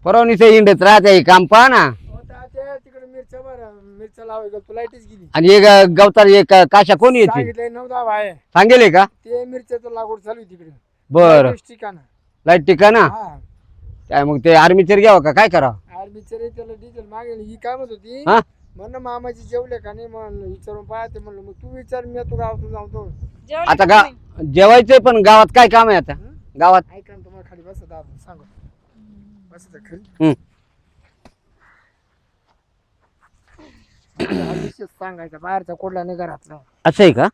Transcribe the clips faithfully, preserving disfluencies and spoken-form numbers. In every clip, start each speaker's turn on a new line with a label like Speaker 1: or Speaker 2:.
Speaker 1: परवणीचं हिंडत राहते काम पहा ना.
Speaker 2: तिकडे मिरच्या बरं मिरच्या लावायला तू लाईटच गेली.
Speaker 1: आणि एक गवतार एक काशा कोणी येते
Speaker 2: सांगितलंय नऊ दहा आहे
Speaker 1: सांगेल का
Speaker 2: ते मिरच्याचं लागवड चालू आहे तिकडे.
Speaker 1: बर
Speaker 2: ठिकाण
Speaker 1: लाईट टिका ना
Speaker 2: हा
Speaker 1: काय मग ते आर्मीचर घ्यावं का काय करावं.
Speaker 2: आर्मीचे त्याला डिझेल मागेल ही काय म्हणत होती
Speaker 1: हा
Speaker 2: म्हणणं मामाची जेवले का नाही म्हणलं विचारून पाहते म्हणलं मग तू विचार मी तू गावातून जाऊतो.
Speaker 1: आता गा जेवायचंय पण गावात काय काम आहे आता गावात.
Speaker 2: ऐका ना तुम्हाला खाली बसत आपण सांगू बसत खरी
Speaker 1: हम्म.
Speaker 2: हा विषय सांगायचा बाहेरचा कोडला नाही घरातला.
Speaker 1: असं आहे का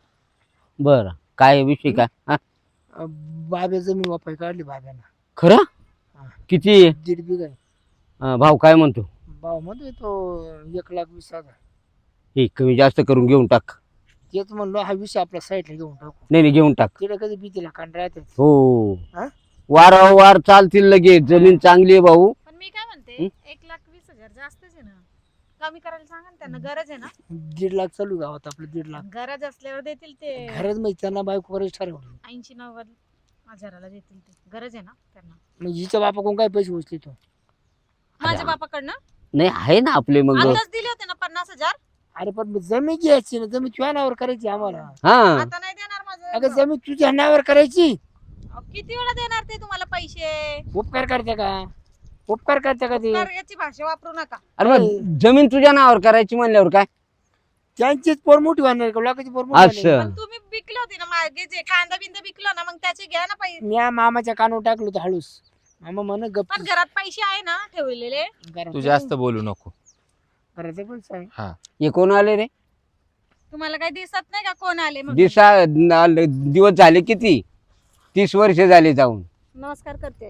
Speaker 1: बर काय विषय काय हा?
Speaker 2: बाब्या जमीन वापाय काढली बाब्यानं.
Speaker 1: खरं किती
Speaker 2: दीड बिघा आहे.
Speaker 1: अं, भाऊ काय म्हणतो.
Speaker 2: भाव म्हणतोय तो एक लाख वीस हजार.
Speaker 1: हे कमी जास्त करून घेऊन टाक.
Speaker 2: तेच म्हणलो हा विषय आपल्या साईडला घेऊन टाकू.
Speaker 1: नाही नाही घेऊन टाक.
Speaker 2: तिला कधी भीतीला कांड राहते.
Speaker 1: हो
Speaker 2: हा?
Speaker 1: वारंवार चालतील लगेच जमीन चांगली आहे भाऊ.
Speaker 3: पण मी काय म्हणते एक लाख वीस हजार जास्तच आहे ना कमी करायला सांगा ना त्यांना गरज आहे ना.
Speaker 2: दीड लाख चालू गावात आपलं दीड लाख.
Speaker 3: गरज असल्यावर देतील ते
Speaker 2: घरात माहिती त्यांना बायको करायची ठरवली.
Speaker 3: ऐंशी नव्वद हजाराला देतील ते गरज आहे ना त्यांना.
Speaker 2: मग हिच्या बापा कोण काय पैसे उचले तो.
Speaker 3: माझ्या बापाकडनं
Speaker 1: नाही आहे ना आपले मग
Speaker 3: आताच दिले होते ना पन्नास हजार.
Speaker 2: अरे पण मग जमीन घ्यायची ना जमीन तुझ्या नावावर करायची आम्हाला.
Speaker 1: हा
Speaker 3: आता नाही देणार
Speaker 2: अगं
Speaker 3: माझं.
Speaker 2: जमीन तुझ्या नावावर करायची.
Speaker 3: अहो, किती वेळा देणार ते तुम्हाला पैसे.
Speaker 2: उपकार करते का उपकार करते का ते
Speaker 3: तर याची भाषा वापरू नका.
Speaker 1: अरे मग जमीन तुझ्या नावावर करायची म्हणल्यावर काय
Speaker 2: त्यांचीच पोर मोठी होणार का लोकांची पोर मोठी
Speaker 1: असं.
Speaker 2: होणार.
Speaker 3: पण तुम्ही विकले होते ना मागे जे कांदा बिंदा विकलो ना मग त्याचे घ्या ना पैसे.
Speaker 2: मी या मामाच्या कानावर टाकलो होतो हळूस. मामा म्हण गप्प
Speaker 3: पण घरात पैसे आहे ना ठेवलेले.
Speaker 4: तू जास्त बोलू नको.
Speaker 2: घराचं पण सांग.
Speaker 4: हा
Speaker 1: हे कोण आले रे
Speaker 3: तुम्हाला काही दिसत नाही का कोण आले म्हणून?
Speaker 1: दिसा न- दिवस झाले किती तीस वर्ष झाले जाऊन.
Speaker 3: नमस्कार करते.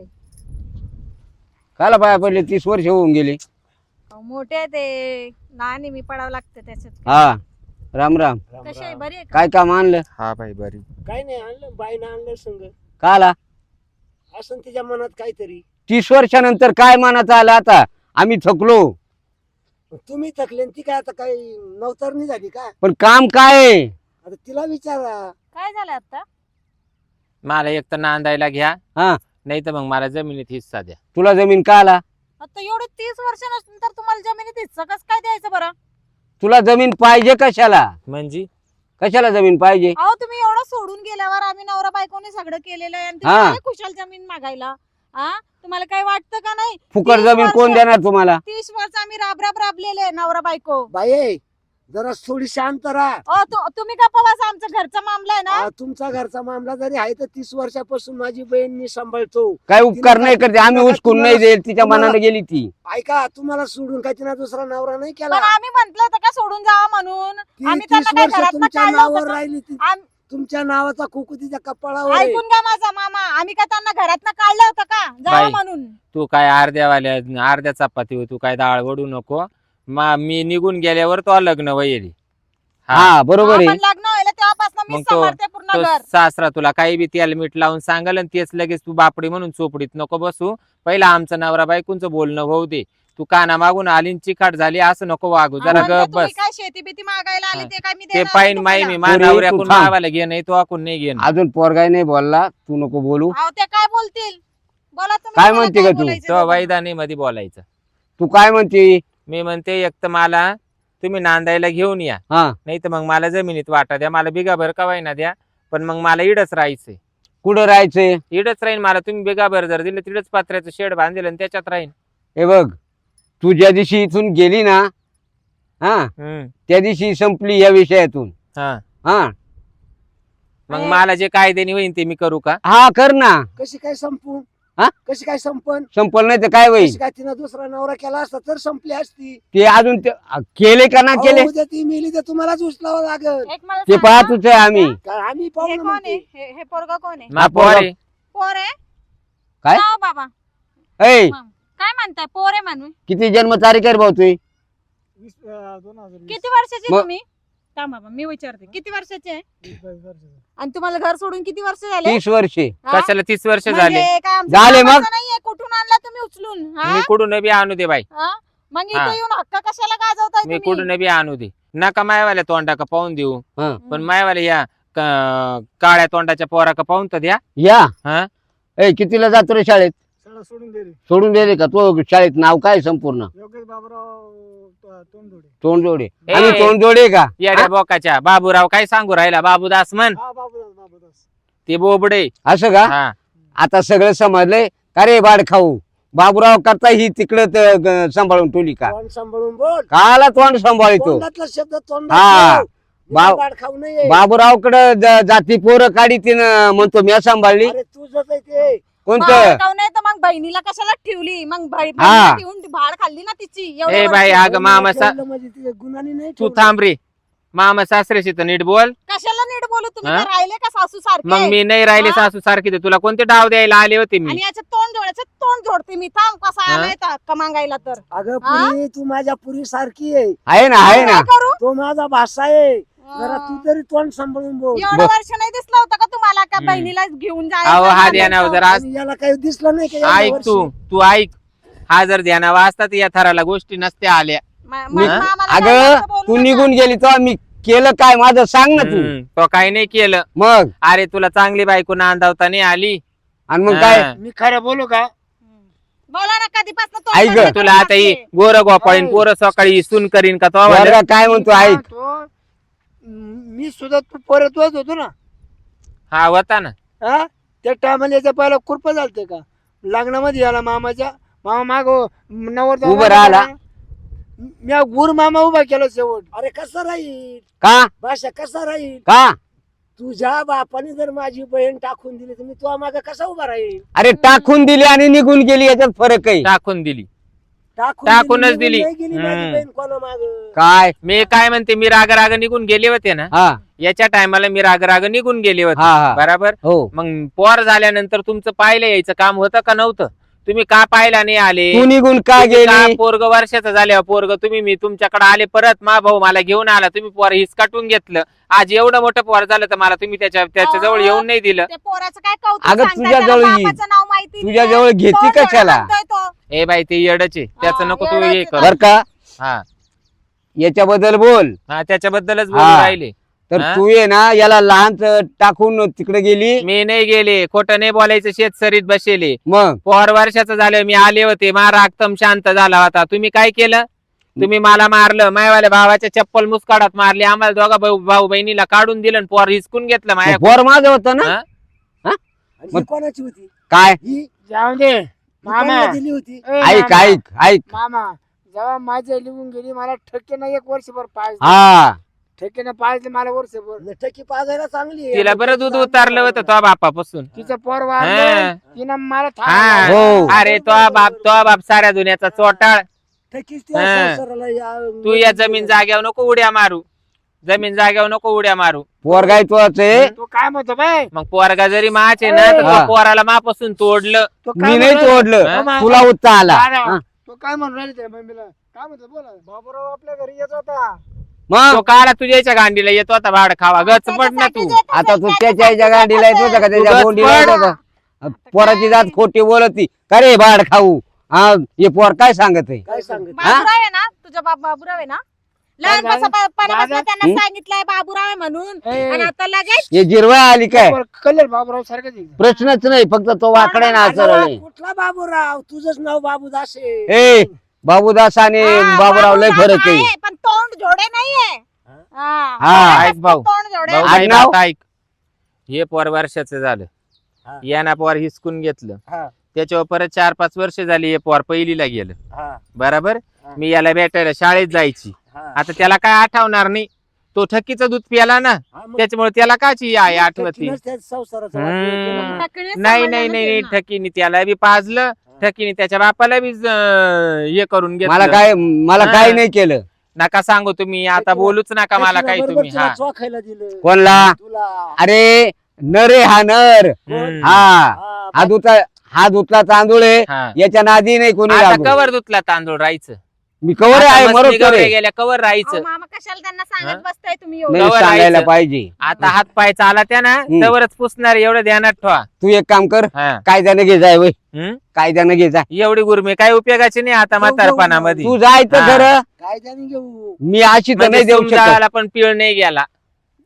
Speaker 1: काला पाया पडले तीस वर्ष होऊन गेले.
Speaker 3: अहो, मोठे आहे ते लहान आहे मी पडावं लागतं त्याच्यात.
Speaker 1: हा राम राम
Speaker 3: कशी आहे बरी आहे का?
Speaker 1: काय काम आणलं
Speaker 4: हा भाई बरी.
Speaker 2: काय नाही आणलं बाईनं आणलं संग
Speaker 1: काला
Speaker 2: असं तिच्या मनात काहीतरी.
Speaker 1: तीस वर्षानंतर काय मानाचं आलं आता आम्ही थकलो.
Speaker 2: तुम्ही थकले ती काय आता काही नवतरणी झाली का.
Speaker 1: पण काम काय आहे?
Speaker 2: आता तिला विचारा.
Speaker 3: काय झालं आता.
Speaker 4: मला एक तर नांदायला घ्या
Speaker 1: हा
Speaker 4: नाही तर मग मला जमिनीत हिस्सा द्या.
Speaker 1: तुला जमीन का आला
Speaker 3: आता एवढे तीस वर्षानंतर तुम्हाला जमिनीत हिस्सा कसं काय द्यायचं बरं.
Speaker 1: तुला जमीन पाहिजे कशाला
Speaker 4: म्हणजे
Speaker 1: कशाला जमीन पाहिजे.
Speaker 3: अहो तुम्ही एवढं सोडून गेल्यावर आम्ही नवरा बायकोने सगळं केलेलं आहे आणि
Speaker 1: हा.
Speaker 3: तुम्ही आले खुशाल जमीन मागायला. हा तुम्हाला काय वाटतं का नाही.
Speaker 1: फुकट
Speaker 3: तीस
Speaker 1: जमीन
Speaker 3: वर्ष-
Speaker 1: कोण देणार तुम्हाला.
Speaker 3: तीस वर्ष आम्ही राब राब राबलेले नवरा बायको.
Speaker 2: बाई जरा थोडी शांत राहा.
Speaker 3: अहो तु- तुम्ही का पवासा आमचा घरचा मामला आहे ना.
Speaker 2: आ, तुमचा घरचा मामला जरी आहे तर तीस वर्षापासून माझी बहीण मी सांभाळतो.
Speaker 1: काय उपकार नाही करते आम्ही
Speaker 2: तुम्हाला-
Speaker 1: उचकून नाही देईल तिच्या
Speaker 2: तुम्हाला-
Speaker 1: मनाने गेली ती.
Speaker 2: ऐका तुम्हाला सोडून काय तिला दुसरा नवरा नाही केला.
Speaker 3: पण आम्ही म्हंटल होतं का सोडून जावा म्हणून.
Speaker 2: ती
Speaker 3: आम्ही
Speaker 2: तीस
Speaker 3: त्यांना काय
Speaker 2: वर्ष
Speaker 3: घरात
Speaker 2: तुमच्या
Speaker 3: काढलं
Speaker 2: नावावर
Speaker 3: होतं का?
Speaker 2: राहिली ती.
Speaker 3: आम-
Speaker 2: तुमच्या नावाचा कुकू तिच्या कपाळावर आहे.
Speaker 3: ऐकून घ्या माझा मामा आम्ही का त्यांना घरात काढलं होतं का जावा
Speaker 4: बाई.
Speaker 3: म्हणून.
Speaker 4: तू काय अर्ध्यावाल्या अर्ध्या चपाती तू काय डाळ वडू नको. मा मी निघून गेल्यावर तो लग्न वैरी.
Speaker 1: हा बरोबर आहे.
Speaker 3: आपण लग्न व्हायला तेव्हापासून मी
Speaker 4: मग तो-
Speaker 3: सांभाळते पूर्ण
Speaker 4: तो
Speaker 3: घर.
Speaker 4: सासरा तुला काही बी तेल मीठ लावून सांगाल आणि तेच लगेच तू बापडी म्हणून चोपडीत नको बसू. पहिला आमचं नवरा बायकोंचं बोलणं होऊ दे. तू काना मागून आली न चिकाट झाली असं नको वागू. जरा
Speaker 3: म्हणलं
Speaker 4: गप
Speaker 3: तुम्ही
Speaker 4: बस.
Speaker 3: काय शेती बिती मागायला आले
Speaker 4: हा.
Speaker 3: ते काय मी
Speaker 4: ते
Speaker 3: देणार
Speaker 4: पाहिन
Speaker 3: नाही
Speaker 4: माई
Speaker 3: तुम्हाला.
Speaker 4: मी मा
Speaker 1: पोरी, तू
Speaker 4: नवऱ्याकडून
Speaker 1: थांब.
Speaker 4: मावाला घे नाही तो आकून नाही घेणं.
Speaker 1: अजून पोरगाय नाही बोलला तू नको बोलू.
Speaker 3: अहो ते काय बोलतील बोला तुम्ही.
Speaker 1: काय
Speaker 3: मला
Speaker 1: म्हणते का तू?
Speaker 3: बोलायचं
Speaker 4: तो
Speaker 3: ते बोला.
Speaker 4: वैदानी मध्ये बोलायचं.
Speaker 1: तू काय म्हणते.
Speaker 4: मी म्हणते एक तर मला तुम्ही नांदायला घेऊन या
Speaker 1: हा
Speaker 4: नाही तर मग मला जमिनीत वाटा द्या. मला बिगाभर कवायना द्या पण मग मला इडच राहायचंय.
Speaker 1: कुठं राहायचंय.
Speaker 4: इडच राहीन मला. तुम्ही बिगाभर जर दिलं तिडच पत्र्याचं शेड बांधेल आणि त्याच्यात राहीन.
Speaker 1: हे बघ तू ज्या दिवशी इथून गेली ना हा
Speaker 4: हम्म
Speaker 1: त्या दिवशी संपली या विषयातून.
Speaker 4: हा
Speaker 1: हा
Speaker 4: मग
Speaker 3: अरे.
Speaker 4: मला जे कायद्याने होईन ते मी करू का.
Speaker 1: हा कर ना.
Speaker 2: कशी काय संपून
Speaker 1: हा?
Speaker 2: कशी काय संपन.
Speaker 1: संपल नाही तर काय होईल.
Speaker 2: कशी काय तिनं दुसरा नवरा केला असता तर संपली असती.
Speaker 1: ते अजून ते- केले का ना केले
Speaker 2: अहो, उद्या ती मेली तर तुम्हालाच उचलावं लागल.
Speaker 3: एक मला
Speaker 1: ते
Speaker 3: सांगा,
Speaker 1: पाहतच आहे आम्ही.
Speaker 2: काय आम्ही
Speaker 3: हे
Speaker 2: पाहू ना
Speaker 3: कोण आहे
Speaker 2: म्हणते.
Speaker 3: हे हे पोरगा कोण आहे.
Speaker 4: मा पोरे.
Speaker 3: पोर आहे
Speaker 1: काय?
Speaker 3: नाव बाबा
Speaker 1: ऐ
Speaker 3: मग. काय म्हणताय पोर आहे म्हणून.
Speaker 1: किती जन्म तारीख आहे रे भाऊ तुझी.
Speaker 2: वीस, अं, दोन हजार वीस.
Speaker 3: किती वर्षाचे
Speaker 1: मग-
Speaker 3: तुम्ही. थांब बाबा मी विचारते किती वर्षाचे आहे.
Speaker 2: वीस, बावीस वर्षाचं.
Speaker 3: आणि तुम्हाला घर सोडून किती वर्ष झाले.
Speaker 1: तीस वर्षे
Speaker 3: हा?
Speaker 4: कशाला तीस वर्ष
Speaker 3: म्हणजे
Speaker 4: झाले.
Speaker 3: काय आमचं
Speaker 1: झाले मग?
Speaker 3: कामाचं नाहीये कुठून आणला तुम्ही उचलून. हा?
Speaker 4: मी कुठून बी आणू दे बाई.
Speaker 3: हा? मग
Speaker 4: हा.
Speaker 3: इथे येऊन हक्क कशाला गाजवताय
Speaker 4: मी
Speaker 3: तुम्ही.
Speaker 4: कुठून बी आणू दे. नका मायवाल्या तोंडा का पाहून देऊ
Speaker 1: हा
Speaker 4: पण मायवाल्या या क- काळ्या तोंडाच्या पोरा का पाहून तर द्या.
Speaker 1: या
Speaker 4: हा
Speaker 1: ऐ कितीला जातो रे शाळेत.
Speaker 2: शाळा मला सोडून दे रे.
Speaker 1: सोडून दिले का? तो शाळेत नाव काय संपूर्ण?
Speaker 2: योगेश बाबूराव त- तोंडजोडे.
Speaker 1: तोंडजोडे.
Speaker 4: ए.
Speaker 1: आणि तोंडजोडे का?
Speaker 4: येड्या बोकाच्या बाबूराव काय सांगू राहिला? बाबूदास म्हण.
Speaker 2: हा बाबूदास बाबूदास.
Speaker 4: ते बोबडे.
Speaker 1: असं का?
Speaker 4: हा
Speaker 1: आता सगळं समजलंय का रे बाड खाऊ? बाबूराव करता ही तिकडं त- ग- सांभाळून ठेवली का?
Speaker 2: तोंड सांभाळून बोल.
Speaker 1: काला तोंड सांभाळतो?
Speaker 2: तोंडातला शब्द
Speaker 1: हा.
Speaker 2: तोंडात
Speaker 1: बाव-
Speaker 2: बाड खाऊ नये.
Speaker 1: बाबूरावकडे ज- जाती पोरं काढी तिनं म्हणतो मी सांभाळली.
Speaker 2: अरे तुझंच आहे ते.
Speaker 1: कोणतं?
Speaker 3: भाड नाही तर मग बहिणीला कशाला ठेवली? मग बाई-
Speaker 1: हा.
Speaker 3: बहिणीला ठेवून ती भाड खाल्ली ना तिची एवढ्या
Speaker 4: ए बाई
Speaker 3: वर्षी.
Speaker 4: अगं मामा सा
Speaker 2: ठेवलं म्हणजे तिच्या गुणांनी नाही
Speaker 4: तू
Speaker 2: ठेवलं.
Speaker 4: थांब रे. मामा सासऱ्याशी तर नीट बोल.
Speaker 3: कशाला नीट बोलू? तुम्ही
Speaker 4: हा?
Speaker 3: काय राहिले का सासू सारखे?
Speaker 4: मग मी नाही राहिले
Speaker 3: हा?
Speaker 4: सासू सारखी तर तुला कोणते डाव द्यायला आले होते मी?
Speaker 3: आणि याचं तोंड जोडायचं तोंड जोडते मी. थांब कसा
Speaker 4: हा?
Speaker 3: आलाय तर हक्क मागायला तर.
Speaker 2: अगं
Speaker 3: हा?
Speaker 2: पुरी तू माझ्या पुरी सारखी आहे.
Speaker 1: आहे ना आहे ना.
Speaker 3: काय करू?
Speaker 2: तो माझा भाषा आहे. जरा तू
Speaker 3: हा.
Speaker 2: तरी तोंड सांभाळून बोल.
Speaker 3: एवढं
Speaker 1: ब-
Speaker 3: वर्ष नाही दिसलं होतं का तुम्हाला का
Speaker 4: हम्म.
Speaker 3: बहिणीला घेऊन
Speaker 4: अहो हा
Speaker 3: जायचं?
Speaker 4: ध्यानावर जरा
Speaker 2: आणि याला काही दिसलं नाही का एवढ्या
Speaker 4: ऐक
Speaker 2: वर्षी?
Speaker 4: तू तू ऐक. हा जर ध्यानावर असता तर या थराला गोष्टी नसत्या आल्या.
Speaker 3: मा-
Speaker 1: मी-
Speaker 3: मा- मामाला
Speaker 1: अगं
Speaker 3: जास्त बोलू
Speaker 1: तू
Speaker 3: नका.
Speaker 1: निघून गेली तेव्हा मी केलं काय? माझं सांग ना तू.
Speaker 4: हम्म, तो काही नाही केलं.
Speaker 1: मग
Speaker 4: अरे तुला चांगली बायको नांदावता नाही आली.
Speaker 1: आणि मग काय?
Speaker 4: हा.
Speaker 2: मी खरं बोलू का?
Speaker 3: हम्म. बोला ना कधीपासून तोंड
Speaker 1: ऐक गं,
Speaker 3: बंद
Speaker 4: तुला
Speaker 3: करून
Speaker 4: आता ही
Speaker 3: टाकते.
Speaker 4: गोर गोपाळीन पोरं सकाळी सून करीन का तो
Speaker 1: वर्गा काय म्हणतो
Speaker 2: मी
Speaker 1: ऐक.
Speaker 2: म्हणतो, मी सुद्धा तू परत वाच होतो ना.
Speaker 4: हा होता ना.
Speaker 2: हा त्या टायमाला याच्या पहिला कुरप झालते का लग्नामध्ये याला मामाच्या मामा माग नवर
Speaker 1: उभं राहिला.
Speaker 2: मी गुर मामा उभा केला शेवट. अरे कसा राहील
Speaker 1: का?
Speaker 2: भाषा कसा राहील?
Speaker 1: का?
Speaker 2: तुझ्या बापाने जर माझी बहीण टाकून दिली तर मी तुझ्या माग कसा उभा राहील?
Speaker 1: अरे टाकून दिली आणि निघून गेली याच्यात फरक आहे.
Speaker 4: टाकून दिली.
Speaker 2: टाकून
Speaker 4: टाकूनच
Speaker 2: निघून
Speaker 4: दिली.
Speaker 2: नाही गेली माझी
Speaker 4: हम्म.
Speaker 2: बहीण कोणा माग.
Speaker 1: काय?
Speaker 4: मी काय म्हणते मी राग राग निघून गेले होते ना.
Speaker 1: हा
Speaker 4: याच्या टायमाला मी राग राग निघून गेले होते.
Speaker 1: हा हा.
Speaker 4: बरोबर.
Speaker 1: हो.
Speaker 4: मग पोर झाल्यानंतर तुमचं पाहिलं यायचं काम होतं का नव्हतं? तुम्ही का पाहिला नाही आले?
Speaker 1: तू निघून का
Speaker 4: तुम्ही का
Speaker 1: गेली?
Speaker 4: पोरग वर्षाचं झाल्यावर पोरग तुम्ही मी तुमच्याकडे आले परत मा भाऊ मला घेऊन आला. तुम्ही पोर हिसकाटून घेतलं. आज एवढं मोठं पोर झालं तर मला तुम्ही त्याच्या त्याच्या जवळ येऊन नाही दिलं.
Speaker 3: ते पोराचं काय कौतुक
Speaker 1: अगं,
Speaker 3: सांगताय?
Speaker 1: तुझ्या
Speaker 3: त्याला
Speaker 1: जवळ येईल.
Speaker 3: बापाचं नाव माहिती
Speaker 1: तुझ्या
Speaker 3: नाही.
Speaker 1: जवळ घेती
Speaker 3: तोंड जोडा
Speaker 1: कशाला?
Speaker 3: म्हणतोय तो.
Speaker 4: ए बाई ते येडचे त्याचं
Speaker 3: हा,
Speaker 4: नको तू
Speaker 3: येडच
Speaker 4: हे
Speaker 3: आहे
Speaker 4: कर.
Speaker 1: बर का?
Speaker 4: हा
Speaker 1: याच्याबद्दल बोल.
Speaker 4: हा त्याच्याबद्दलच बोलू
Speaker 1: हा.
Speaker 4: राहिले.
Speaker 1: तर
Speaker 4: हा?
Speaker 1: तू ये ना याला लहान टाकून तिकडे गेली.
Speaker 4: मी नाही गेले. खोटं नाही बोलायचं. शेत सरीत बसेले.
Speaker 1: मग
Speaker 4: पोर वर्षाचं झालं मी आले होते. मारा एकदम शांत झाला होता. तुम्ही काय केलं? तुम्ही मला मारलं. मायवाल्या भावाच्या चप्पल मुस्काडात मारली. आम्हाला दोघा भाऊ भाऊ बहिणीला काढून दिलं आणि पोर हिसकून घेतलं माझ्या.
Speaker 1: पोर माझं होतं ना.
Speaker 4: हा?
Speaker 2: आणि ही कोणाची होती?
Speaker 1: काय?
Speaker 2: ही जाऊ दे
Speaker 5: ही
Speaker 2: मामा
Speaker 5: कोणाला दिली होती?
Speaker 2: ए,
Speaker 1: ऐक
Speaker 2: मामा,
Speaker 1: ऐक ऐक.
Speaker 2: मामा जेव्हा माझ्या लिहून गेली मला ठक्केनं एक वर्षभर पाहिजे.
Speaker 1: हा
Speaker 2: ठेकेनं पाहिजे मला वर्षभर.
Speaker 5: लटकी पाजायला चांगली आहे.
Speaker 4: तिला बरं दूध उतारलं होतं तो बापापासून.
Speaker 2: तिचं पोर
Speaker 4: हा.
Speaker 2: वाढलं तिनं मला
Speaker 4: हा.
Speaker 2: थांबवलं.
Speaker 1: हो.
Speaker 4: अरे तो बाप तो बाप साऱ्या दुनियाचा चोटाळ.
Speaker 5: ठकीच त्या
Speaker 4: हा.
Speaker 5: संसाराला या-
Speaker 4: तू या जमीन जाग्यावर नको उड्या मारू. जमीन जाग्यावर नको उड्या मारू.
Speaker 1: पोरगाय तोच आहे.
Speaker 2: तो काय म्हणतो बाय
Speaker 4: मग पोरगा जरी माचे ना तर
Speaker 1: हा.
Speaker 4: तो पोराला मापासून तोडलं.
Speaker 2: तो काय
Speaker 1: मी नाही
Speaker 2: म्हणतो?
Speaker 1: तोडलं.
Speaker 4: हा?
Speaker 1: तुला उत्ता आला.
Speaker 2: दादा,
Speaker 1: हा.
Speaker 2: तो काय म्हणून राहिले त्या मम्मीला काय म्हणतो बोला. बाबूराव आपल्या घरी येत होता.
Speaker 1: मग
Speaker 4: तो काला तुझ्याच्या गांडीला येतो आता भाड खावा. गच पड ना
Speaker 3: त्याच्यासाठी
Speaker 4: तू.
Speaker 3: जे येतं
Speaker 1: आता
Speaker 3: ते
Speaker 1: तू
Speaker 3: त्याच्यासाठी
Speaker 1: त्याच्या आईच्या गांडीला येत होता का? त्याच्या
Speaker 4: उगाच
Speaker 1: गोंडीला येत
Speaker 4: पड.
Speaker 1: होता? पोराची जात खोटी बोलती का रे बाड खाऊ? हा हे पोर काय सांगत आहे?
Speaker 5: काय सांगत?
Speaker 3: बाबूराव आहे ना तुझा बाप बाबूराव आहे ना लहानपासून
Speaker 2: दादा-
Speaker 3: त्यांना
Speaker 1: हं?
Speaker 3: सांगितलंय बाबूराव आहे म्हणून
Speaker 2: ए,
Speaker 3: आणि आता लगेच
Speaker 1: हे जिरवा आली काय?
Speaker 2: कलर बाबूराव सारखंच आहे.
Speaker 1: प्रश्नच नाही. फक्त तो वाकडे ना सरळ आहे.
Speaker 5: कुठला बाबूराव? तुझंच नाव बाबूदास आहे.
Speaker 1: ए बाबूदास आणि
Speaker 3: हा,
Speaker 1: बाबूराव लय
Speaker 3: बाबूराव
Speaker 1: फरक आहे.
Speaker 3: पण तोंड जोडे नाहीये. हा,
Speaker 1: हा.
Speaker 4: ऐक भाऊ.
Speaker 3: तोंड जोडे
Speaker 4: भाऊ
Speaker 1: आड
Speaker 4: बाई
Speaker 1: नाव?
Speaker 4: बाप ऐक. हे पोर वर्षाचं झालं.
Speaker 5: हा.
Speaker 4: याना पोर हिसकून घेतलं.
Speaker 5: हा.
Speaker 4: त्याच्यावर परत चार पाच वर्ष झाली हे पोर पहिलीला गेलं.
Speaker 5: हा,
Speaker 4: बरोबर.
Speaker 5: हा.
Speaker 4: मी याला भेटायला शाळेत जायची.
Speaker 5: हा.
Speaker 4: आता त्याला काय आठवणार नाही. तो ठकीचं दूध प्याला ना
Speaker 5: हा, मग
Speaker 4: त्याच्यामुळे त्याला काची आई आठवती.
Speaker 5: ठकीनंच त्या संसाराचा
Speaker 4: हम्म.
Speaker 5: वाटोळा केला.
Speaker 3: टकणीच
Speaker 4: नाही
Speaker 3: सांभाळलं
Speaker 4: नाही
Speaker 3: ना
Speaker 4: नाही नाही
Speaker 3: त्यांना.
Speaker 4: ठकीने त्याला बी पाजलं. ठकीने त्याच्या बापाला बी अं, हे करून
Speaker 1: मला
Speaker 4: घेतलं.
Speaker 1: काय मला
Speaker 4: हा.
Speaker 1: काय नाही केलं.
Speaker 4: नका सांगू तुम्ही आता
Speaker 5: ठकीला-
Speaker 4: बोलूच नका मला
Speaker 5: ठकीला
Speaker 4: काही
Speaker 5: बरोबर
Speaker 4: तुम्ही.
Speaker 5: तुला
Speaker 4: हा
Speaker 5: चोखायला दिलं.
Speaker 1: कोणला?
Speaker 5: तुला.
Speaker 1: अरे नर आहे हा नर.
Speaker 4: हम्म.
Speaker 1: हा
Speaker 5: हा,
Speaker 1: हा धुतला हा धुतला तांदूळ आहे.
Speaker 4: हा.
Speaker 1: याच्या नादी नाही कोणी
Speaker 4: आता
Speaker 1: लागू.
Speaker 4: कवर धुतला तांदूळ राहायचं.
Speaker 1: मी कवर आहे मरोत करे.
Speaker 4: गेल्या कवर
Speaker 3: अहो,
Speaker 4: राहायचं.
Speaker 3: मामा कशाला त्यांना
Speaker 4: हा?
Speaker 3: सांगत बसताय तुम्ही
Speaker 1: नाही
Speaker 3: एवढं
Speaker 4: कवर
Speaker 1: सांगायला
Speaker 4: राहायचं.
Speaker 1: पाहिजे.
Speaker 4: आता हात पाय चाला त्या ना
Speaker 1: हम्म.
Speaker 4: तवरच पुसणार एवढं ध्यानात ठेवा.
Speaker 1: तू एक काम कर.
Speaker 4: हा.
Speaker 1: कायद्यानं घे जाय वय.
Speaker 4: हम्म?
Speaker 1: कायद्यानं घे जाय.
Speaker 4: एवढी गुरमी काय उपयोगाची नाही आता म्हातारपणामध्ये.
Speaker 1: तू जायचं
Speaker 4: हा.
Speaker 1: खरं.
Speaker 5: कायद्याने घेऊ.
Speaker 1: मी अशी तर
Speaker 4: म्हणजे
Speaker 1: नाही देऊ शकत.
Speaker 4: समजायला पण पीळ नाही गेला.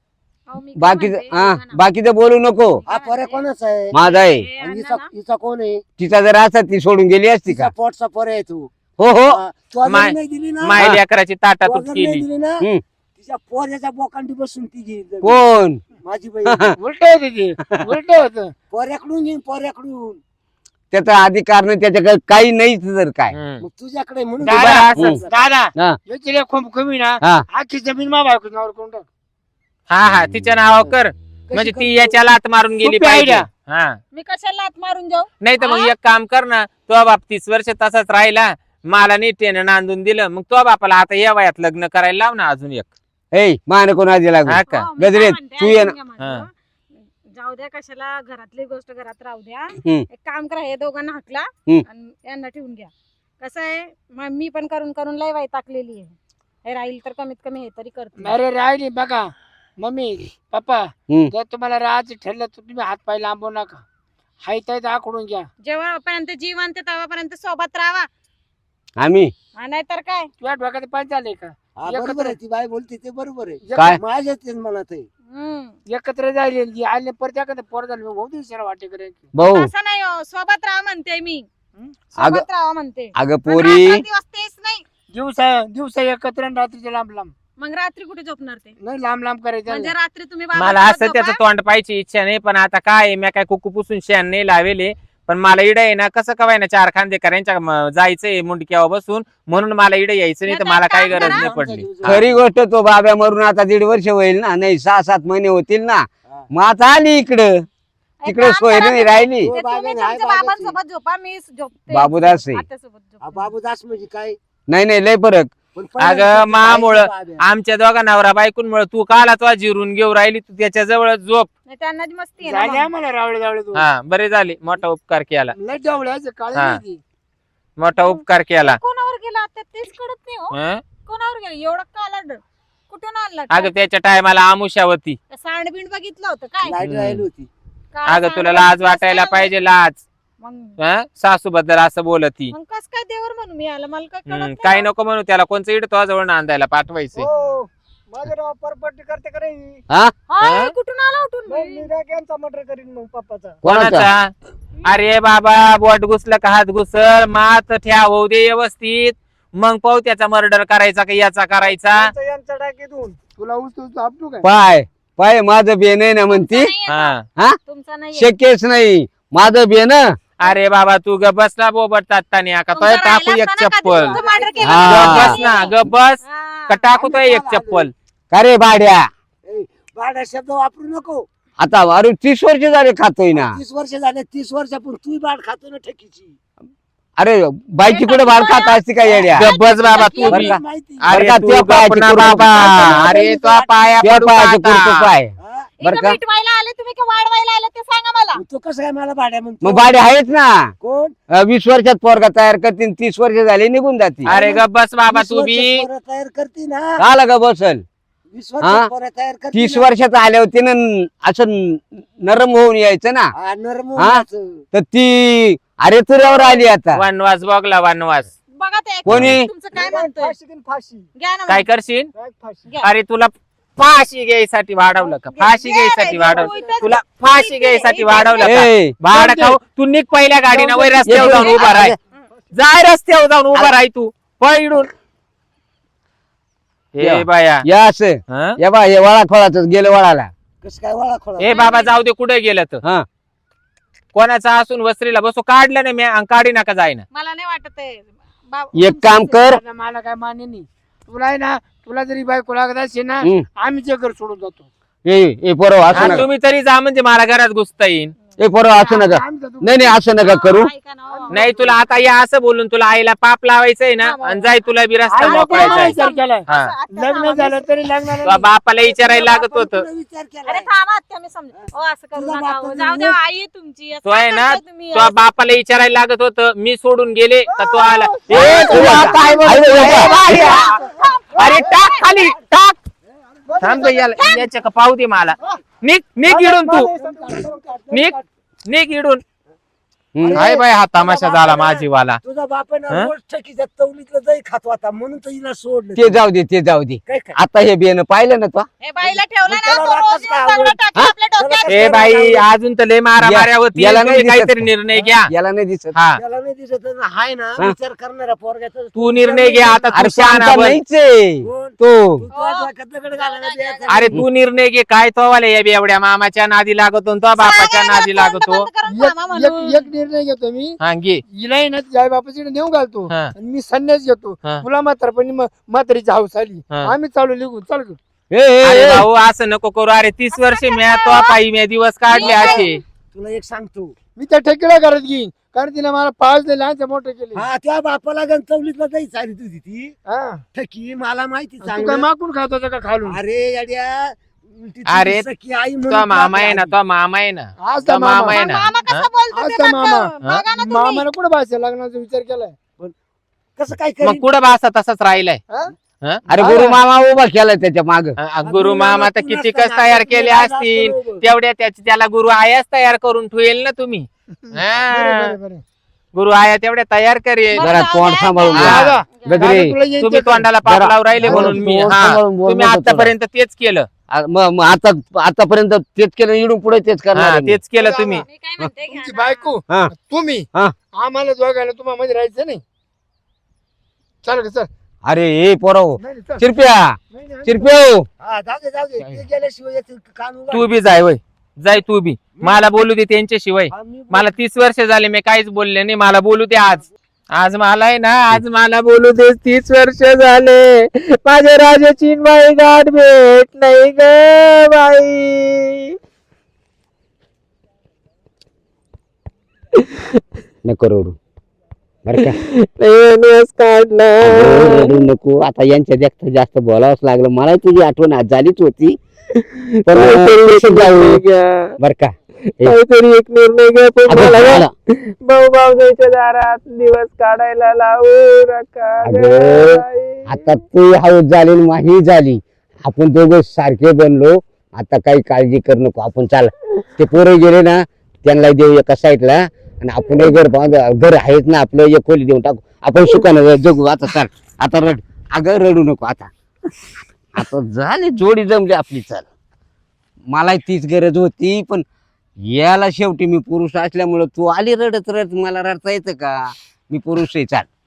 Speaker 3: अहो, मी काय
Speaker 1: बाकीचं
Speaker 3: म्हणते,
Speaker 1: हा
Speaker 3: ऐका ना.
Speaker 1: बाकीचं बोलू नको
Speaker 5: हा पोऱ्या कोणाचा आहे
Speaker 1: माझा आहे
Speaker 3: हे
Speaker 5: आणि
Speaker 3: अण्णा
Speaker 5: हिचा
Speaker 3: ना,
Speaker 5: हिचा कोण आहे
Speaker 1: तिचा जर असा ती सोडून गेली असती
Speaker 5: तिचा
Speaker 1: का
Speaker 5: पोटचा पोऱ्या आहे तू
Speaker 1: हो हो
Speaker 5: हा, तू अजून
Speaker 4: माय-
Speaker 5: नाही दिली ना
Speaker 4: माय लेकराची
Speaker 5: तू
Speaker 4: ताटातूट
Speaker 5: अजून नाही
Speaker 4: केली
Speaker 5: दिली ना
Speaker 1: हम्म.
Speaker 5: तिच्या पोऱ्याच्या बोकांडी बसून ती घेईल
Speaker 1: कोण
Speaker 5: माझी बहीण
Speaker 2: उलट होते ते उलट होत
Speaker 5: पोऱ्याकडून घेईन पोऱ्याकडून
Speaker 1: त्याचा अधिकार नाही त्याच्याकडे काही नाहीच जर काय
Speaker 4: हम्म.
Speaker 5: मग तुझ्याकडे म्हणून
Speaker 2: दादा,
Speaker 5: तुला
Speaker 1: हम्म.
Speaker 5: असं-
Speaker 2: दादा
Speaker 1: हा.
Speaker 2: याची खूप कमी ना
Speaker 1: हा.
Speaker 2: आखी जमीन मा बायको नावावर करून टाक
Speaker 4: हा हा तिच्या नावावर कर म्हणजे ती
Speaker 5: करतो?
Speaker 4: याच्या लात मारून गेली
Speaker 2: सोपी
Speaker 4: पाहिजे
Speaker 2: idea.
Speaker 4: हा
Speaker 3: मी कशाला लात मारून जाऊ
Speaker 4: नाही तर मग एक काम कर ना तो बाप तीस वर्ष तसाच राहिला मला नीटेनं नांदून दिलं मग तो बापाला आता या वयात लग्न करायला लाव ना अजून एक
Speaker 1: ए मान कोण आधी लागू
Speaker 4: हा का
Speaker 3: हो, मी काय
Speaker 1: गजरे,
Speaker 3: म्हणते,
Speaker 1: तू ये
Speaker 3: ऐकून घ्या माझं.
Speaker 4: हा.
Speaker 3: जाऊ द्या कशाला घरातली गोष्ट घरात राहू द्या
Speaker 1: हम्म.
Speaker 3: एक काम करा हे दोघांना हकला
Speaker 1: हम्म.
Speaker 3: आणि यांना ठेवून घ्या कसं आहे मग मी पण करून करून लय वाई टाकलेली आहे हे राहील तर कमीत कमी हे तरी करते
Speaker 2: अरे राहिली बघा मम्मी पप्पा
Speaker 1: हम्म.
Speaker 2: जर तुम्हाला राहायचं ठरलं तर तुम्ही हात पाय लांबू नका हाय तर आखडून घ्या
Speaker 3: जेव्हापर्यंत जीवन ते तेव्हापर्यंत सोबत राहा
Speaker 1: आम्ही
Speaker 3: नाहीतर काय
Speaker 2: तुझ्या डोक्यात पाय चालले का
Speaker 5: हा, बरोबर आहे ती बाई बोलते ते बरोबर आहे
Speaker 1: काय?
Speaker 5: माझ्या तेच म्हणत आहे
Speaker 3: हम्म.
Speaker 2: एकत्र जायले आले परत एखादं पोर झालं होऊ दिवसाला वाटे करेल
Speaker 1: भाऊ
Speaker 3: असं नाही हो, सोबत राहा म्हणते मी
Speaker 2: हं?
Speaker 1: अगं-
Speaker 3: सोबत राहा म्हणते
Speaker 1: अगं
Speaker 3: पण
Speaker 1: पोरी
Speaker 3: रात्र दिवस तेच नाही
Speaker 2: दिवसा दिवसा एकत्र आणि रात्रीचे लांब लांब
Speaker 3: मग रात्री कुठे झोपणार ते
Speaker 2: नाही लांब लांब करायचं
Speaker 3: म्हणजे रात्री तुम्ही
Speaker 4: मला
Speaker 3: बाबासोबत
Speaker 4: असं त्याचं
Speaker 3: झोपा.
Speaker 4: तोंड पाहायची इच्छा नाही पण आता काय आहे, मी काय कुकू पुसून शेण नाही लावेले पण मला इडं आहे ना कसं कवाय ना चार खांदेकरांच्या म- जायचंय मुंडक्यावर बसून म्हणून मला इडं यायचं नाही तर
Speaker 3: नाही
Speaker 4: मला
Speaker 3: तर
Speaker 4: काही
Speaker 3: काम
Speaker 4: गरज
Speaker 3: करा.
Speaker 4: नाही पडली
Speaker 5: आमचा
Speaker 4: हा.
Speaker 1: खरी गोष्ट तो बाब्या मरून आता दीड वर्ष होईल ना नाही सहा सात महिने होतील ना
Speaker 5: हा.
Speaker 1: मग आता आली इकडं
Speaker 3: एक
Speaker 1: तिकडे
Speaker 3: काम
Speaker 1: सोय
Speaker 3: करा
Speaker 1: नाही
Speaker 3: तुम्ही.
Speaker 1: राहिली
Speaker 3: ते
Speaker 5: हो,
Speaker 3: तुम्ही
Speaker 5: बाबाने आहे,
Speaker 3: तुमच्या
Speaker 5: बाबाची.
Speaker 3: बाबांसोबत झोपा मी झोपते
Speaker 1: बाबूदास आहे.
Speaker 3: आत्यासोबत
Speaker 5: हा,
Speaker 3: झोपते.
Speaker 5: बाबूदास म्हणजे काय
Speaker 1: नाही नाही लय फरक
Speaker 5: पण
Speaker 4: अगं
Speaker 5: पहिल्या
Speaker 4: मामुळं
Speaker 5: बाब्या.
Speaker 4: आमच्या दोघा नवरा बायकूनमुळे तू काला तो जिरून घेऊन राहिली तू त्याच्या जवळ झोप
Speaker 3: नाही, त्यांना जी मस्ती आहे ना
Speaker 2: झाले
Speaker 3: मग.
Speaker 2: आम्हाला रावळे रावळे तू
Speaker 4: हा बरे झाले मोठा उपकार केला
Speaker 2: लय डावळ्याचे काळे
Speaker 4: हा.
Speaker 2: नाही ती.
Speaker 4: मोठा उपकार केला
Speaker 3: कोणावर गेला आता तेच कळत नाही हो
Speaker 4: हं?
Speaker 3: कोणावर गेला एवढा काला कुठून आणला
Speaker 4: अगं त्याच्या टायमाला आमुष्यावती
Speaker 3: सांडबिंड बघितलं होतं काय
Speaker 5: लाईट
Speaker 4: हम्म.
Speaker 5: राहिली होती
Speaker 3: काळा
Speaker 4: अगं तुला
Speaker 3: सांडबिंड
Speaker 4: लाज
Speaker 3: कसं
Speaker 4: वाटायला
Speaker 3: काय
Speaker 4: पाहिजे लाज
Speaker 3: मग
Speaker 4: सासू बद्दल असं बोलती
Speaker 3: मग कस काय देवर म्हणू मी आला मला काय कळत
Speaker 4: हम्म,
Speaker 3: नाही
Speaker 4: काही
Speaker 3: ना.
Speaker 4: नको म्हणू त्याला कोणचं इड तो जवळ नांदायला पाठवायचंय
Speaker 2: हो माझं नाव परपट्टी करते का रे
Speaker 1: हा
Speaker 3: हा,
Speaker 4: हा?
Speaker 3: हे कुठून आला उठून
Speaker 2: मग मी यांचा मर्डर करीन मग पप्पाचा
Speaker 1: कोणाचा
Speaker 4: कोणाचा अरे बाबा बोट घुसलं का हात घुसल मात ठ्या होऊ दे व्यवस्थित मग पाहू त्याचा मर्डर करायचा का याचा करायचा
Speaker 2: यांचा- यांचा टाकीतून तुला ऊस तू आपटू काय
Speaker 1: पाय पाय माझं बेन आहे ना म्हणती
Speaker 3: तुमचा नाहीये
Speaker 4: हा
Speaker 1: हा
Speaker 3: का? तुमचा नाही
Speaker 1: शक्यच नाही माझं बेन
Speaker 4: अरे बाबा तू ग बस ना बोबट तात्ताने का तो टाकू एक चप्पल
Speaker 1: हा.
Speaker 4: ग बस ना ग बस का टाकू तो एक चप्पल
Speaker 1: का रे भाड्या
Speaker 5: ए, भाड्या शब्द वापरू नको
Speaker 1: आता अरे तीस वर्ष झाले खातोय ना
Speaker 5: तीस वर्ष झाले तीस वर्षापूर्वी तू बाड खातो ना ठकीची
Speaker 1: अरे बाईची कुठे भाड खात असते का येड्या
Speaker 4: ग बस बाबा तू
Speaker 1: बरं
Speaker 4: बी.
Speaker 1: का?
Speaker 5: माहिती
Speaker 4: अरे
Speaker 1: का
Speaker 4: तू
Speaker 1: त्या
Speaker 4: गप
Speaker 1: पायाची
Speaker 4: ना
Speaker 1: कुरकुर
Speaker 4: बाबा
Speaker 5: खातो.
Speaker 4: अरे तो पाया
Speaker 1: त्या
Speaker 4: पडू
Speaker 1: पायाचे
Speaker 4: का आता?
Speaker 1: कुरकुर पाय
Speaker 5: हा?
Speaker 1: बरं का?
Speaker 3: मिटवायला आले तुम्ही का वाढवायला आले ते सांगा मला
Speaker 5: मग तो कसं काय मला भाड्या म्हणतो
Speaker 1: मग भाडे आहेत ना
Speaker 5: कोण
Speaker 1: अं, वीस वर्षात पोरगा तयार करतील तीस वर्ष झाले निघून जातील
Speaker 4: अरे ग बस बाबा
Speaker 5: वीस
Speaker 4: तू बी
Speaker 5: वर्षात पोरं तयार करते ना
Speaker 1: आला का बसल
Speaker 5: वीस
Speaker 1: हा?
Speaker 5: वर्षात पोरं तयार करते
Speaker 1: तीस
Speaker 5: ना.
Speaker 1: वर्षात आल्या होती ना असं न- नरम होऊन यायचं ना
Speaker 5: हा, नरम
Speaker 1: हा?
Speaker 5: होण्याचं.
Speaker 1: तर ती अरे तुऱ्यावर आली आता
Speaker 4: वनवास बघला वनवास
Speaker 3: बघा ते
Speaker 1: कोणी?
Speaker 3: तुमचं काय म्हणतोय
Speaker 2: फाशी घेईन, फाशी
Speaker 3: घ्या ना
Speaker 4: काय
Speaker 3: मग.
Speaker 4: करशील
Speaker 2: काय फाशी
Speaker 3: घ्या.
Speaker 4: अरे तुला फाशी घ्यायसाठी वाढवलं का फाशी
Speaker 3: घ्या,
Speaker 4: घ्यायसाठी
Speaker 3: घ्या,
Speaker 4: वाढवलं
Speaker 3: घ्या.
Speaker 4: तुला फाशी घ्यायसाठी वाढवलं का
Speaker 1: ए,
Speaker 4: भाड
Speaker 1: जाऊ दे.
Speaker 4: खाऊ तू निघ पहिल्या गाडीनं वय रस्त्यावर
Speaker 1: ये,
Speaker 4: जाऊन
Speaker 1: ये,
Speaker 4: उभा राह
Speaker 1: ये.
Speaker 4: जाय रस्त्यावर जाऊन उभा राह तू पळून हे
Speaker 1: या.
Speaker 4: बाया
Speaker 1: या असं
Speaker 4: हं?
Speaker 1: या बा हे वळा खोळाच गेलं वळाला
Speaker 5: कसं काय वळा खोळा
Speaker 4: ए बाबा जाऊ दे कुठे गेलं तर
Speaker 1: हा
Speaker 4: कोणाचा असून वस्त्रीला बसू काढलं नाही मी आणि काढी नका जाईना
Speaker 3: मला नाही वाटत आहे बा-
Speaker 1: एक काम कर
Speaker 2: आता मला काय मान्य नाही तुला आहे ना तुला जरी बायको लागत असेल ना
Speaker 1: हम्म.
Speaker 2: आम्ही जे घर सोडून जातो
Speaker 1: ए ए पोरं असं
Speaker 4: आणि
Speaker 1: नका
Speaker 4: तुम्ही तरी जा म्हणजे मला घरात घुसता येईन
Speaker 1: ए पोरं असं नका
Speaker 2: आम्ही जातो.
Speaker 1: नाही नाही असं नका करू
Speaker 3: ऐका ना, हो.
Speaker 4: नाही तुला आता या असं बोलून तुला आईला पाप लावायचंय ना आणि जाय तुला बी रस्ता
Speaker 2: आईला कोणी
Speaker 4: मोकळायचा
Speaker 2: विचार केलाय
Speaker 4: हा
Speaker 3: असं आत्याचा
Speaker 2: लग्न
Speaker 3: आवाज-
Speaker 2: झालं तरी
Speaker 4: तुझ्या
Speaker 2: लग्नाला
Speaker 4: बापाला विचारायला लागत होतं
Speaker 5: तुला विचार केला
Speaker 3: अरे थांबा आत्या मी समज ओ असं करू
Speaker 5: तुझा
Speaker 3: नका
Speaker 5: बाप
Speaker 3: हो.
Speaker 5: तर
Speaker 3: जाऊ द्या
Speaker 5: नाही.
Speaker 3: आई आहे तुमची असं
Speaker 4: तो आहे
Speaker 3: काय
Speaker 4: ना
Speaker 3: करताय तुम्ही?
Speaker 4: तुझ्या बापाला विचारायला लागत होतं मी सोडून गेले का तो आला ए,
Speaker 1: ए,
Speaker 4: तुझा
Speaker 1: तुझा
Speaker 4: काय
Speaker 1: आई
Speaker 4: बोलतो?
Speaker 1: बोलतो.
Speaker 4: ए, बाया. अरे टाक खाली टाक थांब गं, याला याच्या का पाहू दे मला निघ निघ इडून तू निघ निघ इडून
Speaker 1: हम्म.
Speaker 4: काय बाय हा तमाशा झाला माझीवाला.
Speaker 5: तुझा बाप आहे
Speaker 4: हं?
Speaker 5: ना रोज ठकीच्या तवलीतलं दही खातो आता म्हणून तर हिला सोडलं
Speaker 1: ते जाऊ दे ते जाऊ दे
Speaker 5: काय काय
Speaker 1: आता हे बेन पाहिलं ना तो
Speaker 3: हे बाईला ठेवला ना
Speaker 5: त्याला
Speaker 3: तो रोज
Speaker 5: राखच
Speaker 3: येऊन
Speaker 5: काय
Speaker 3: दगडं टाकतो
Speaker 1: हा?
Speaker 3: आपल्या डोक्यात.
Speaker 4: ए बाई अजून तर लय मारा माऱ्या होती.
Speaker 1: याला नाही
Speaker 4: तुम्ही
Speaker 1: दिसत
Speaker 4: काहीतरी
Speaker 1: का?
Speaker 4: निर्णय घ्या.
Speaker 1: याला नाही दिसत
Speaker 4: हा
Speaker 5: त्याला नाही दिसत ना, हाय ना
Speaker 1: हा.
Speaker 5: विचार करणारा पोरग्याचा
Speaker 4: तू निर्णय घे आता. तू
Speaker 1: अरे
Speaker 4: शहाणा
Speaker 1: शांता
Speaker 4: बन.
Speaker 1: नाहीच आहे
Speaker 5: कोण?
Speaker 1: तो
Speaker 5: तू तुझ्या डोक्यात दगड घालायला द्यायचा
Speaker 4: अरे
Speaker 5: नाही.
Speaker 4: तू निर्णय घे. काय तो वाले या एवढ्या मामाच्या नादी लागतो तो बापाच्या
Speaker 3: सांगायला
Speaker 4: नादी
Speaker 3: तोंड
Speaker 4: लागतो.
Speaker 3: बंद करून थांबा म्हणून.
Speaker 2: एक एक निर्णय घेतो मी
Speaker 4: हा घे.
Speaker 2: हिला आहे ना आई बापाची नेऊन घालतो
Speaker 4: हा.
Speaker 2: आणि मी संन्यास घेतो
Speaker 4: हा.
Speaker 2: तुला म्हातारपणी म- म्हातारीची हाऊस आली
Speaker 4: हा.
Speaker 2: आम्ही चालू निघून चाल गं.
Speaker 1: ए, ए,
Speaker 4: अरे
Speaker 1: ए,
Speaker 4: भाऊ असं नको करू. अरे तीस वर्ष मी तो पायी मी दिवस काढले असे.
Speaker 5: तुला एक सांगतो
Speaker 2: मी त्या ठेकीला करत घेईन कारण तिने मला पाच दिले लहानचे मोठे केले
Speaker 5: हा त्या बापाला गंतवलीतलं दही चाली तुझी ती
Speaker 2: हा.
Speaker 5: ठकी मला माहिती
Speaker 2: तू काय
Speaker 5: चांगलं
Speaker 2: मागून खात होता का खालून
Speaker 5: अरे येड्या उलटी
Speaker 4: अरे,
Speaker 5: तुझी सखी आई म्हणून
Speaker 4: तो मामा आहे
Speaker 5: तुला
Speaker 4: ना तो मामा आहे ना
Speaker 2: आज
Speaker 4: तो
Speaker 2: त्या
Speaker 4: मामा
Speaker 2: मामा
Speaker 4: आहे
Speaker 3: मग
Speaker 4: ना.
Speaker 3: मामा
Speaker 4: हा?
Speaker 3: कसं बोलतो ते
Speaker 2: आज का
Speaker 3: बघ
Speaker 2: मामा?
Speaker 3: गं. बघा ना तुम्ही.
Speaker 2: मामाने कुठं भाषा लग्नाचा विचार केलाय
Speaker 5: कसं काय
Speaker 4: मग
Speaker 5: करीन?
Speaker 4: कुठं बासा तसंच राहिलाय.
Speaker 2: हा?
Speaker 4: हा?
Speaker 1: अरे गुरु मामा उभा केला त्याच्या माग
Speaker 4: हा, गुरु मामा तर
Speaker 5: तू
Speaker 4: किती
Speaker 5: नसताना
Speaker 4: कस तयार
Speaker 5: आता
Speaker 4: केले
Speaker 5: तुला
Speaker 4: असतील
Speaker 5: जास्त लोकं.
Speaker 4: तेवढ्या त्याची त्याला गुरु आयाच तयार करून ठेवेल ना तुम्ही.
Speaker 2: बरं,
Speaker 4: हा.
Speaker 2: बरं, बरं.
Speaker 4: गुरु आया तेवढ्या तयार करेल.
Speaker 3: बरं,
Speaker 1: जरा
Speaker 3: जाऊ
Speaker 1: तोंड
Speaker 3: द्या,
Speaker 1: सांभाळून
Speaker 3: जा.
Speaker 4: बोला.
Speaker 2: दादा,
Speaker 1: गजरे
Speaker 2: दादा, तुला येईन
Speaker 4: तुम्ही
Speaker 2: ते कर.
Speaker 4: तोंडाला पाप
Speaker 1: जरा-
Speaker 4: लावून राहिले
Speaker 1: जरा
Speaker 4: म्हणून मी
Speaker 1: तोंड
Speaker 4: हा
Speaker 1: सांभाळून बोल
Speaker 4: तुम्ही
Speaker 1: नको थोडं.
Speaker 4: आतापर्यंत तेच केलं.
Speaker 1: आ, मग मग आता आतापर्यंत तेच केलं इडून पुढे तेच करणार
Speaker 4: हा
Speaker 1: आहे मी.
Speaker 4: तेच केलं तुम्ही.
Speaker 3: मी काय म्हणते घ्या
Speaker 2: तुमची
Speaker 3: ना.
Speaker 2: बायको
Speaker 1: हा.
Speaker 2: तुम्ही
Speaker 1: हा.
Speaker 2: आम्हाला दोघायला तुम्हाला मध्ये राहायचं नाही चल चल
Speaker 1: अरे ए पोराव
Speaker 2: नाही, नाही, चल.
Speaker 1: चिरप्या
Speaker 2: नाही, नाही,
Speaker 1: चिरप्यो
Speaker 5: हा, जाऊ दे जाऊ दे ते गेल्याशिवाय याचं कान उघड.
Speaker 4: तू बी जाय वय जाय तू बी. मला बोलू दे त्यांच्याशिवाय.
Speaker 5: हा, मी-
Speaker 4: मला तीस वर्ष झाले मी काहीच बोलले नाही. मला बोलू दे आज. आज मला आहे ना आज मला बोलू दे. तीस वर्ष झाले माझ्या राजाची बाई गाठ भेट नाही ग बाई.
Speaker 1: नको रडू बरं का
Speaker 4: लय दिवस काढला.
Speaker 1: अगं, रडू नको आता यांच्या जास्त जास्त बोलावंच लागलं मला तुझी आठवण आज झालीच होती पण कसं जाऊ बर का हे,
Speaker 4: काहीतरी एक निर्णय घ्या. पण
Speaker 1: अगं,
Speaker 4: मला
Speaker 1: मला-
Speaker 4: भाऊ भाऊजाईच्या दारात दिवस काढायला लावू नका ग
Speaker 1: अगं,
Speaker 4: बाई.
Speaker 1: आता तू हाऊस झाली आणि माझी झाली आपण दोघं सारखे बनलो आता काही काळजी कर नको आपण चाल ते पोरं गेले ना त्यांना देऊ एका साईडला आणि आपण घर बांध घर आहेच ना आपलं एक खोली देऊन टाकू आपण सुखानं जगू आता चाल आता रड अगं रडू नको आता आता झाली जोडी जमली आपली चाल मला तीच गरज होती पण याला शेवटी मी पुरुष असल्यामुळं तू आली रडत रडत मला रडता येतं का मी पुरुष आहे चाल